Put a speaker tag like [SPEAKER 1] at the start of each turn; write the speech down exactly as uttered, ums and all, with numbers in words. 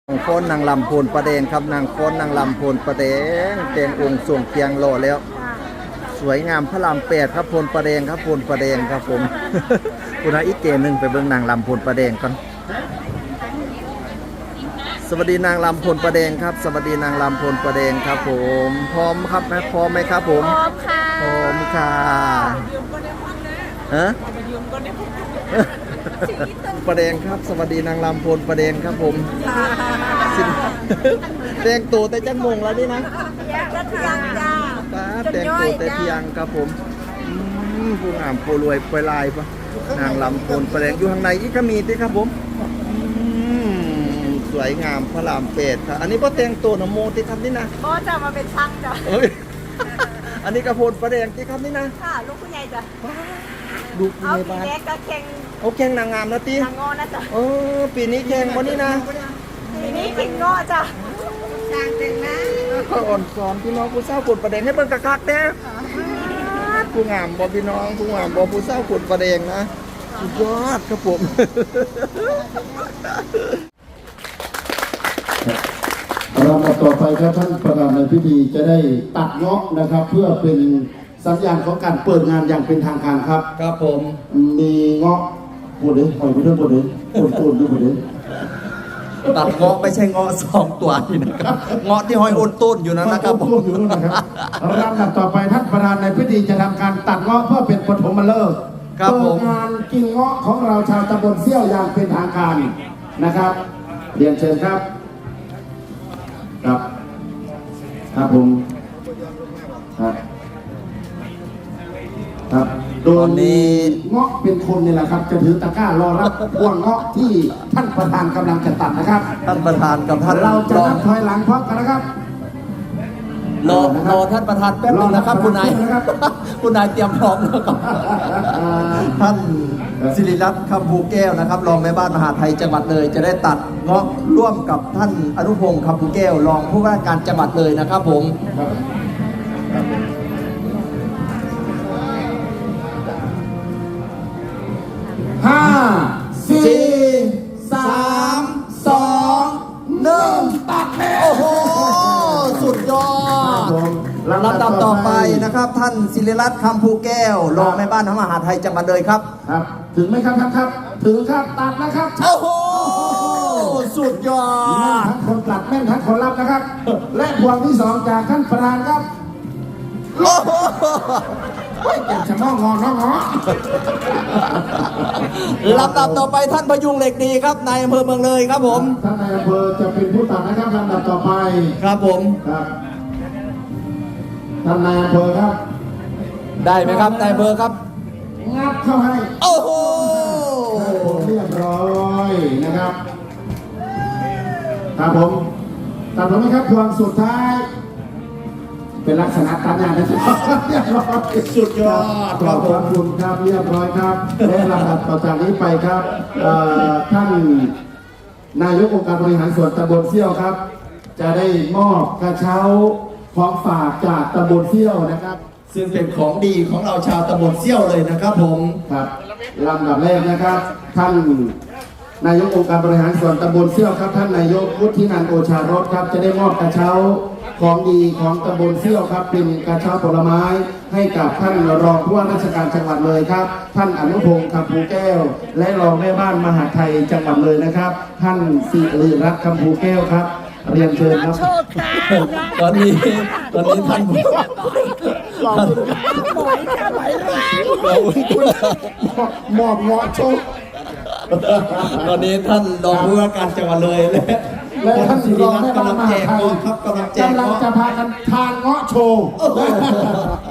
[SPEAKER 1] นางฟ้อนนางลำโพนประเดงครับนางฟ้อนนางลำโพนประเดงเตียงองค์ส่วงเตียงโลแล้ว สวยงามพระรามแปดครับโพนประเดงครับโพนประเดงครับผม คุณอาอีกเกมหนึ่งไปเบิ่งนางลำโพนประเดงก่อนสวัสดีนางลำโพนประเดงครับสวัสดีนางลำโพนประเดงครับผมพร้อมครับไหมพร้อมไหมครับผม
[SPEAKER 2] พร้อมค่ะ
[SPEAKER 1] พร้อมค่ะฮะประเดงครับสวัสดีนางลำโพนประเดงครับผมแต่งตัวแต่จังมงแล้วนี่นะ
[SPEAKER 2] ยังจ้า
[SPEAKER 1] ป้าแต่งตัวแต่เที่ยงครับผมผู้งามผู้รวยปลายปะนางลำโพนประเดงอยู่ข้างในอีกก็มีด้วยครับผมสวยงามพระรามแปดครับอันนี้พ่อแต่งตัวนะโมที่ครับนี่นะ
[SPEAKER 2] พ่อจะมาเป็นช่างจ้ะ
[SPEAKER 1] อันนี้กระโพนประเดงที่ครับนี่นะ
[SPEAKER 2] ค่ะลูกผู้ใหญ่จ้ะ
[SPEAKER 1] ดูปีในบ้าน
[SPEAKER 2] เอาปีเล็กก็แข่ง
[SPEAKER 1] เอาแข่งนางงามนะตี
[SPEAKER 2] นางงอนะจ๊ะ
[SPEAKER 1] เออปีนี้แข่งวันนี้นะ
[SPEAKER 2] ปีนี้แข่งงอจ้ะช่างแต่งนะ
[SPEAKER 1] ก็อ่อนสอนพี่น้องผู้เศร้าขุดประเดงให้เบิ่งกักๆเด้ผู้งามบอพี่น้องผู้งามบอผู้เศร้าขุดประเดงนะสุดยอดครับผม
[SPEAKER 3] ลำดับต่อไปครับท่านประธานในพิธีจะได้ตัดเงาะนะครับเพื่อเป็นสัญญาณของการเปิดงานอย่างเป็นทางการครับ
[SPEAKER 1] ครับผม
[SPEAKER 3] มีเงาะปูดเลยหอยไปเรื่อยปูดเลยปูดปูดด้วยปูดเลย
[SPEAKER 1] ตัดเงาะไม่ใช่เงาะสองตัวนี่นะครับเงาะที่หอยโอนต้นอยู่นั่นนะครับผม
[SPEAKER 3] อยู่นั่นนะครับลำดับต่อไปท่านประธานในพิธีจะทำการตัดเงาะเพื่อเป็นปฐมฤกษ์เปิดงานกินเงาะของเราชาวตำบลเซี่ยวอย่างเป็นทางการนะครับเรียนเชิญครับครับครับผมครับครับโดยนี้เงาะเป็นคนนี่แหละครับจะถือตะกร้ารอรับพวงเงาะที่ท่านประธานกำลังจะตัดนะครับ
[SPEAKER 1] ท่านประธานกับท่าน
[SPEAKER 3] เราจะนับถอยหลังพร้อมกันนะครับ
[SPEAKER 1] รอรอท่านประธานแป๊บนึงนะครับคุณนายคุณนายเตรียมพร้อมแล้วครับท่านศิริรัตน์คำภูแก้วนะครับรองแม่บ้านมหาไทยจังหวัดเลยจะได้ตัดเงาะร่วมกับท่านอนุพงศ์คำภูแก้วรองผู้ว่าการจังหวัดเลยนะครับผม
[SPEAKER 3] ห้าสี่สามสองหนึ่งตัดแล้ว
[SPEAKER 1] โอ้โหสุดยอดลำดับต่อไปนะครับท่านศิริรัตน์คำภูแก้วรองแม่บ้านมหาไทยจังหวัดเลยครับ
[SPEAKER 3] ครับถึงไหมครับท่านครับถึงครับตัดนะครับ
[SPEAKER 1] โอ้โหสุดยอด
[SPEAKER 3] ทั้งคนตัดแม่นทั้งคนรับนะครับและพวงที่สองจากท่านประธานครับ
[SPEAKER 1] โอ้โห
[SPEAKER 3] เก็บชะมองงองงอ
[SPEAKER 1] ลำดับต่อไปท่านพยุงเหล็กดีครับนายอำเภอเมืองเลยครับผม
[SPEAKER 3] ท่านนายอำเภอจะเป็นผู้ตัดนะครับลำดับต่อไป
[SPEAKER 1] ครับผม
[SPEAKER 3] ครับท่านนายอำเภอครับ
[SPEAKER 1] ได้ไหมครับนายอำเภอครับ
[SPEAKER 3] งับเข้าให้
[SPEAKER 1] โอ้โห
[SPEAKER 3] เรียบร้อยนะครับครับผมตัดผมไหมครับพวงสุดท้ายเป็นลักษณะตัดงานนะครับเรียบร้อย
[SPEAKER 1] สุดยอด
[SPEAKER 3] ขอบคุณครับเรียบร้อยครับและลำดับต่อจากนี้ไปครับท่านนายกองค์การบริหารส่วนตำบลเซี่ยวครับจะได้มอบกระเช้าของฝากจากตำบลเซี่ยวนะครับ
[SPEAKER 1] ซึ่งเป็นของดีของเราชาวตำบลเซี่ยวเลยนะครับผม
[SPEAKER 3] ครับลำดับแรกนะครับท่านนายกองค์การบริหารส่วนตำบลเซี่ยวครับท่านนายกวุฒินันท์โอชารสครับจะได้มอบกระเช้าของดีของตำบลเซี่ยวครับเป็นกระเช้าผลไม้ให้กับท่านรองผู้ว่าราชการจังหวัดเลยครับท่านอนุพงศ์คำภูแก้วและรองแม่บ้านมหาไทยจังหวัดเลยนะครับท่านศิริรัตน์คำภูแก้วครับเรียนเชิญครับ
[SPEAKER 1] ตอนนี้ตอนนี้ท่าน
[SPEAKER 3] หล่อหมอยแค่ไหนมอบเงาะโชค
[SPEAKER 1] ตอนนี้ท่านรองผู้ว่าการจังหวัดเลยและ
[SPEAKER 3] และท่านรองแม่บ้านมหาไทย
[SPEAKER 1] ครับกำลังแจก
[SPEAKER 3] กำลังจะพากันทานเงาะโชว์